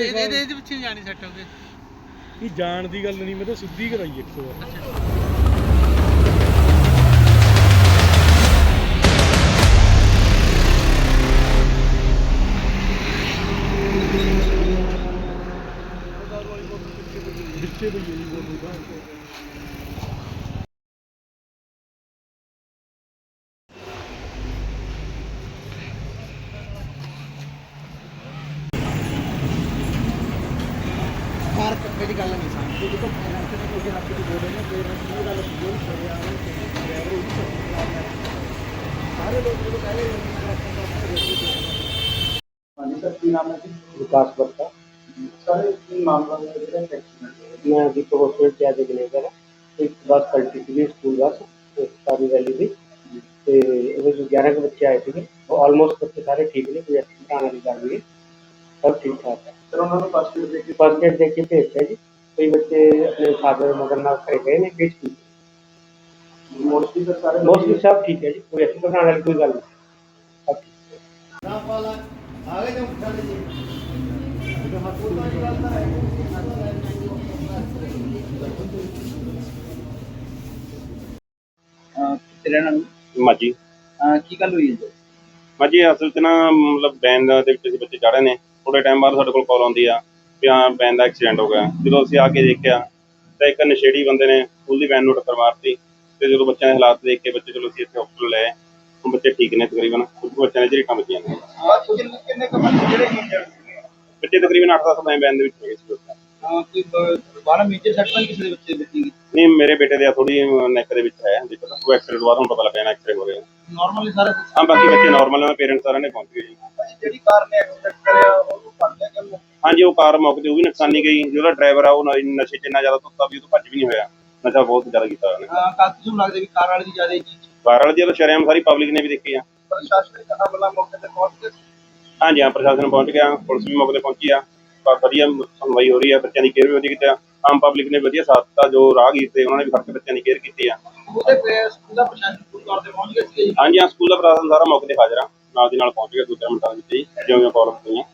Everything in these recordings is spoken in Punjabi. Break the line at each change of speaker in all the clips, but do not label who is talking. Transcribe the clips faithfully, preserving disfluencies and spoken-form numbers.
ਇਹਦੇ ਇਹਦੇ ਵਿੱਚ ਨਹੀਂ ਜਾਣੀ ਸੈੱਟ ਹੋ ਗਏ
ਇਹ ਜਾਣ ਦੀ ਗੱਲ ਨਹੀਂ, ਮੈਂ ਤਾਂ ਸਿੱਧੀ ਕਰਾਈ ਇੱਕ ਵਾਰ। ਵਿੱਚੇ ਪਈ ਜੀ ਬੋਲ ਦਾ
ਕਾਰ ਮੇਰੀ ਗੱਲ ਨਹੀਂ ਸਾਂ ਦੇਖੋ ਫਾਈਨਾਂਸ ਦੇ ਕੋਈ ਰੱਖ ਕੇ ਬੋਲ ਰਹੇ ਨੇ ਪੇਰੈਂਟਸ ਦੀ ਗੱਲ ਬੋਲ ਰਹੇ ਆ ਡਰਾਈਵਰ ਉਹ ਸਾਰੇ ਲੋਕ ਜਦੋਂ ਕਹਿ ਰਹੇ
ਹਾਂਜੀ सर की नाम है जी? विकास गुप्ता। सर की मामला है एक्सीडेंट मैं दीपक हॉस्पिटल के आगे मैनेजर है। एक बस पलटी थी स्कूल बस सारी वैली थी तो जो ग्यारह के बच्चे आए थे वो ऑलमोस्ट बच्चे सारे ठीक ने, कोई एक्सीडेंट आने की गल नहीं, सब ठीक ठाक है। सर उन्होंने फर्स्ट एड देख के फर्स्ट एड देख के भेजता जी। कई बच्चे अपने फादर मदर नाल घर गए ने किस की मोस्टली सर सारे मोस्टली सब ठीक है जी, कोई एक्सीडेंट आने वाली कोई गल नहीं, सब ठीक है। ना वाला आगे जो उठा लीजिए जो हाथ पूरा निकालता है
तेरा नाम
ਮਾਜੀ
की गल हुई है?
ਮਾਜੀ ਅਸਲ 'ਚ ਨਾ ਮਤਲਬ ਵੈਨ ਦੇ ਵਿੱਚ ਅਸੀਂ ਬੱਚੇ ਚੜ੍ਹੇ ਨੇ, ਥੋੜੇ ਟਾਈਮ ਬਾਅਦ ਸਾਡੇ ਕੋਲ ਕਾਲ ਆਉਂਦੀ ਆ ਵੀ ਹਾਂ ਵੈਨ ਦਾ ਐਕਸੀਡੈਂਟ ਹੋ ਗਿਆ। ਜਦੋਂ ਅਸੀਂ ਆ ਕੇ ਦੇਖਿਆ ਤਾਂ ਇੱਕ ਨਸ਼ੇੜੀ ਬੰਦੇ ਨੇ ਸਕੂਲ ਦੀ ਵੈਨ ਨੂੰ ਟੱਕਰ ਮਾਰਤੀ ਤੇ ਜਦੋਂ ਬੱਚਿਆਂ ਦੇ ਹਾਲਾਤ ਦੇਖ ਕੇ ਬੱਚੇ ਚਲੋ ਅਸੀਂ ਇੱਥੇ ਹਸਪਤਾਲ ਲੈ ਆਏ। ਹੁਣ ਬੱਚੇ ਠੀਕ ਨੇ ਤਕਰੀਬਨ, ਕੁਝ ਬੱਚਿਆਂ ਨੇ ਝਰੀਟਾਂ ਵੱਜੀਆਂ ਨੇ।
ਕਿੰਨੇ ਕੁ ਬੱਚੇ ਜਿਹੜੇ ਇੰਜਰਡ ਸੀਗੇ?
ਬੱਚੇ ਤਕਰੀਬਨ ਅੱਠ ਦਸ ਵੈਨ ਦੇ ਵਿੱਚ ਹੈਗੇ ਸੀ।
ਕੋਈ ਬਾਹਰ ਮੇਜਰ ਸੱਟ ਤਾਂ ਕਿਸੇ ਦੇ ਬੱਚੇ ਬੱਚੀ
ਨਹੀਂ ਮੇਰੇ ਬੇਟੇ ਦੇ ਥੋੜੀ ਨੈਕ ਦੇ ਵਿੱਚ ਹੈ ਦੇਖੋ, ਉਹ ਐਕਸੀਡੈਂਟ ਬਾਅਦ ਹੁਣ ਪਤਾ ਲੱਗਿਆ ਨਾ ਐਕਸਰੇ ਹੋ ਰਿਹਾ।
ਨਾਰਮਲੀ ਸਾਰੇ
ਹਾਂ ਬਾਕੀ ਬੱਚੇ ਨਾਰਮਲ ਨੇ, ਪੇਰੈਂਟਸ ਸਾਰਿਆਂ ਨੇ ਪਹੁੰਚ ਗਏ ਜੀ।
ਜਿਹੜੀ ਕਾਰ ਨੇ ਐਕਸੀਡੈਂਟ ਕਰਿਆ ਉਹਨੂੰ ਫੜ ਲਿਆ ਕਿ?
ਹਾਂਜੀ ਉਹ ਕਾਰ ਮੌਕੇ ਤੇ ਉਹ ਵੀ ਨੁਕਸਾਨੀ ਗਈ। ਜਿਹੜਾ ਡਰਾਈਵਰ ਆ ਉਹ ਨਸ਼ੇ 'ਚ ਇੰਨਾ ਜ਼ਿਆਦਾ ਧੁੱਤਾ ਵੀ ਉਹ ਤੋਂ ਭੱਜ ਵੀ ਨਹੀਂ ਹੋਇਆ, ਨਸ਼ਾ ਬਹੁਤ ਜ਼ਿਆਦਾ ਕੀਤਾ ਉਹਨੇ।
ਕਾਫੀ ਨੂੰ ਲੱਗਦਾ ਵੀ ਕਾਰ ਵਾਲੇ ਦੀ ਜ਼ਿਆਦਾ ਜੀ
ਕਾਰ ਵਾਲੇ ਦੀ ਸ਼ਰੇਆਮ ਸਾਰੀ ਪਬਲਿਕ ਨੇ ਵੀ ਦੇਖੀ ਆ।
ਪ੍ਰਸ਼ਾਸਨਿਕ ਅਮਲਾ ਮੌਕੇ ਤੇ ਪਹੁੰਚ ਕੇ
ਹਾਂਜੀ ਹਾਂ ਪ੍ਰਸ਼ਾਸਨ ਪਹੁੰਚ ਗਿਆ, ਪੁਲਿਸ ਵੀ ਮੌਕੇ ਤੇ ਪਹੁੰਚੀ ਆ, ਵਧੀਆ ਸੁਣਵਾਈ ਹੋ ਰਹੀ ਆ, ਬੱਚਿਆਂ ਦੀ ਕੇਅਰ ਵੀ ਵਧੀਆ ਕੀਤੀ ਆ। ਆਮ ਪਬਲਿਕ ਨੇ ਵਧੀਆ ਸਾਥ ਦਿੱਤਾ, ਜੋ ਰਾਹਗੀਰ ਤੇ ਉਹਨਾਂ ਨੇ ਵੀ ਫੜ ਕੇ ਬੱਚਿਆਂ ਦੀ ਕੇਅਰ ਕੀਤੀ ਆ।
ਉਹਦੇ ਸਕੂਲ ਦਾ ਪ੍ਰਸ਼ਾਸਨ ਪੂਰੀ ਤੌਰ ਤੇ ਪਹੁੰਚ ਗਿਆ ਸੀ?
ਹਾਂਜੀ ਹਾਂ ਸਕੂਲ ਦਾ ਪ੍ਰਸ਼ਾਸਨ ਸਾਰਾ ਮੌਕੇ ਤੇ ਹਾਜ਼ਰ ਆ, ਨਾਲ ਦੀ ਨਾਲ ਪਹੁੰਚ ਗਿਆ ਦੋ ਚਾਰ ਮਿੰਟਾਂ ਵਿੱਚ ਹੀ ਜਿਉਂ ਜਿਉਂ ਕਾਲ ਹੋਈਆਂ।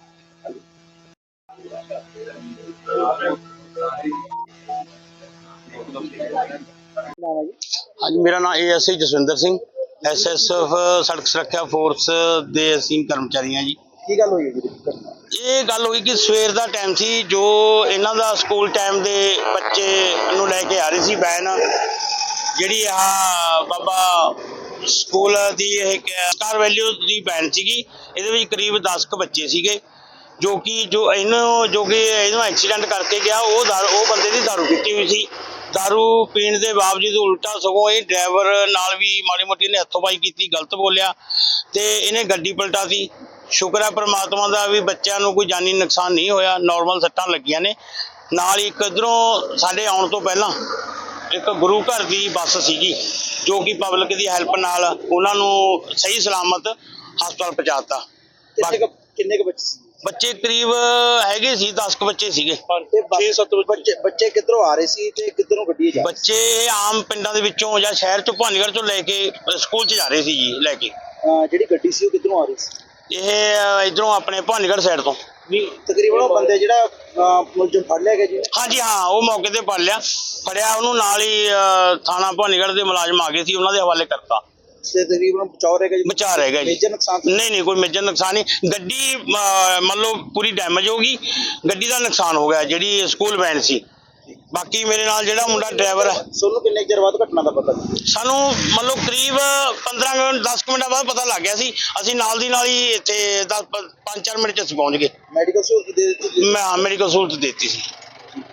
ਹਾਂਜੀ ਮੇਰਾ ਨਾਮ A S I Jaswinder Singh, S S F ਸੜਕ ਸੁਰੱਖਿਆ ਫੋਰਸ ਦੇ ਅਸੀਂ ਕਰਮਚਾਰੀ ਹਾਂ ਜੀ।
ਕੀ ਗੱਲ ਹੋਈ ਜੀ?
ਇਹ ਗੱਲ ਹੋਈ ਕਿ ਸਵੇਰ ਦਾ ਟਾਈਮ ਸੀ, ਜੋ ਇਹਨਾਂ ਦਾ ਸਕੂਲ ਟਾਈਮ ਦੇ ਬੱਚੇ ਨੂੰ ਲੈ ਕੇ ਆ ਰਹੀ ਸੀ ਵੈਨ, ਜਿਹੜੀ ਆ ਬਾਬਾ ਸਕੂਲ ਦੀ ਇਹ ਸਟਾਰ ਵੈਲਿਊ ਦੀ ਵੈਨ ਸੀਗੀ। ਇਹਦੇ ਵਿੱਚ ਕਰੀਬ ਦਸ ਕੁ ਬੱਚੇ ਸੀਗੇ, ਜੋ ਕਿ ਜੋ ਇਹਨੂੰ ਜੋ ਕਿ ਇਹਨੂੰ ਐਕਸੀਡੈਂਟ ਕਰਕੇ ਗਿਆ ਉਹ ਦਾਰੂ ਉਹ ਬੰਦੇ ਦੀ ਦਾਰੂ ਪੀਤੀ ਹੋਈ ਸੀ। ਦਾਰੂ ਪੀਣ ਦੇ ਬਾਵਜੂਦ ਉਲਟਾ ਸਗੋਂ ਇਹ ਡਰਾਈਵਰ ਨਾਲ ਵੀ ਮਾੜੀ ਮੋਟੀ ਨੇ ਹੱਥੋਂ ਪਾਈ ਕੀਤੀ, ਗਲਤ ਬੋਲਿਆ ਤੇ ਇਹਨੇ ਗੱਡੀ ਪਲਟਾਤੀ। ਸ਼ੁਕਰ ਹੈ ਪ੍ਰਮਾਤਮਾ ਦਾ ਵੀ ਬੱਚਿਆਂ ਨੂੰ ਕੋਈ ਜਾਨੀ ਨੁਕਸਾਨ ਨਹੀਂ ਹੋਇਆ, ਨਾਰਮਲ ਸੱਟਾਂ ਲੱਗੀਆਂ ਨੇ। ਨਾਲ ਹੀ ਇੱਕ ਇੱਧਰੋਂ ਸਾਡੇ ਆਉਣ ਤੋਂ ਪਹਿਲਾਂ ਇੱਕ ਗੁਰੂ ਘਰ ਦੀ ਬੱਸ ਸੀਗੀ, ਜੋ ਕਿ ਪਬਲਿਕ ਦੀ ਹੈਲਪ ਨਾਲ ਉਹਨਾਂ ਨੂੰ ਸਹੀ ਸਲਾਮਤ ਹਸਪਤਾਲ ਪਹੁੰਚਾਤਾ।
ਕਿੰਨੇ ਕੁ ਬੱਚੇ ਸੀ?
ਬੱਚੇ ਕਰੀਬ ਹੈਗੇ ਸੀ ਦਸ ਕੁ ਬੱਚੇ ਸੀਗੇ।
ਛੇ ਸੱਤ ਬੱਚੇ ਬੱਚੇ ਕਿੱਧਰੋਂ ਆ ਰਹੇ ਸੀ ਤੇ ਕਿੱਧਰੋਂ ਗੱਡੀ ਜਾ?
ਬੱਚੇ ਆਮ ਪਿੰਡਾਂ ਦੇ ਵਿੱਚੋਂ ਜਾਂ ਸ਼ਹਿਰ ਚੋਂ ਭਾਨੀਗੜ੍ਹ ਚੋਂ ਲੈ ਕੇ ਸਕੂਲ 'ਚ ਜਾ ਰਹੇ ਸੀ ਜੀ ਲੈ ਕੇ।
ਜਿਹੜੀ ਗੱਡੀ ਸੀ ਉਹ ਕਿੱਧਰੋਂ ਆ ਰਹੀ ਸੀ?
ਇਹ ਇਧਰੋਂ ਆਪਣੇ ਭਾਨੀਗੜ੍ਹ ਸਾਈਡ ਤੋਂ।
ਨਹੀਂ ਤਕਰੀਬਨ ਉਹ ਬੰਦੇ ਜਿਹੜਾ ਮੁਲਜ਼ਮ ਫੜ ਲਿਆ ਗਿਆ ਜੀ?
ਹਾਂਜੀ ਹਾਂ ਉਹ ਮੌਕੇ ਤੇ ਫੜ ਲਿਆ, ਫੜਿਆ ਉਹਨੂੰ ਨਾਲ ਹੀ ਥਾਣਾ ਭਾਨੀਗੜ੍ਹ ਦੇ ਮੁਲਾਜ਼ਮ ਆ ਗਏ ਸੀ, ਉਹਨਾਂ ਦੇ ਹਵਾਲੇ ਕਰਤਾ।
ਤੇ ਤਕਰੀਬਨ ਬਚਾਅ ਰਹਿ ਗਿਆ ਜੀ?
ਬਚਾ ਰਹਿ ਗਿਆ ਜੀ।
ਮੇਜਰ ਨੁਕਸਾਨ
ਨਹੀਂ ਨਹੀਂ ਕੋਈ ਮੇਜਰ ਨੁਕਸਾਨ ਨਹੀਂ। ਗੱਡੀ ਮੰਨ ਲਓ ਪੂਰੀ ਡੈਮੇਜ ਹੋ ਗਈ, ਗੱਡੀ ਦਾ ਨੁਕਸਾਨ ਹੋ ਗਿਆ ਜਿਹੜੀ ਸਕੂਲ ਵੈਨ ਸੀ। ਬਾਕੀ ਮੇਰੇ ਨਾਲ ਜਿਹੜਾ ਮੁੰਡਾ ਡਰਾਈਵਰ ਹੈ।
ਤੁਹਾਨੂੰ ਕਿੰਨੇ ਚਿਰ ਬਾਅਦ ਘਟਨਾ ਦਾ ਪਤਾ?
ਸਾਨੂੰ ਮੰਨ ਲਓ ਕਰੀਬ ਪੰਦਰਾਂ ਮਿੰਟ ਦਸ ਮਿੰਟਾਂ ਬਾਅਦ ਪਤਾ ਲੱਗ ਗਿਆ ਸੀ। ਅਸੀਂ ਨਾਲ ਦੀ ਨਾਲ ਹੀ ਇੱਥੇ ਦਸ ਪੰਜ ਚਾਰ ਮਿੰਟ 'ਚ ਅਸੀਂ ਪਹੁੰਚ ਗਏ।
ਮੈਡੀਕਲ ਸਹੂਲਤ ਦੇ ਦਿੱਤੀ?
ਮੈਂ ਮੈਡੀਕਲ ਸਹੂਲਤ ਦੇ ਦਿੱਤੀ ਸੀ।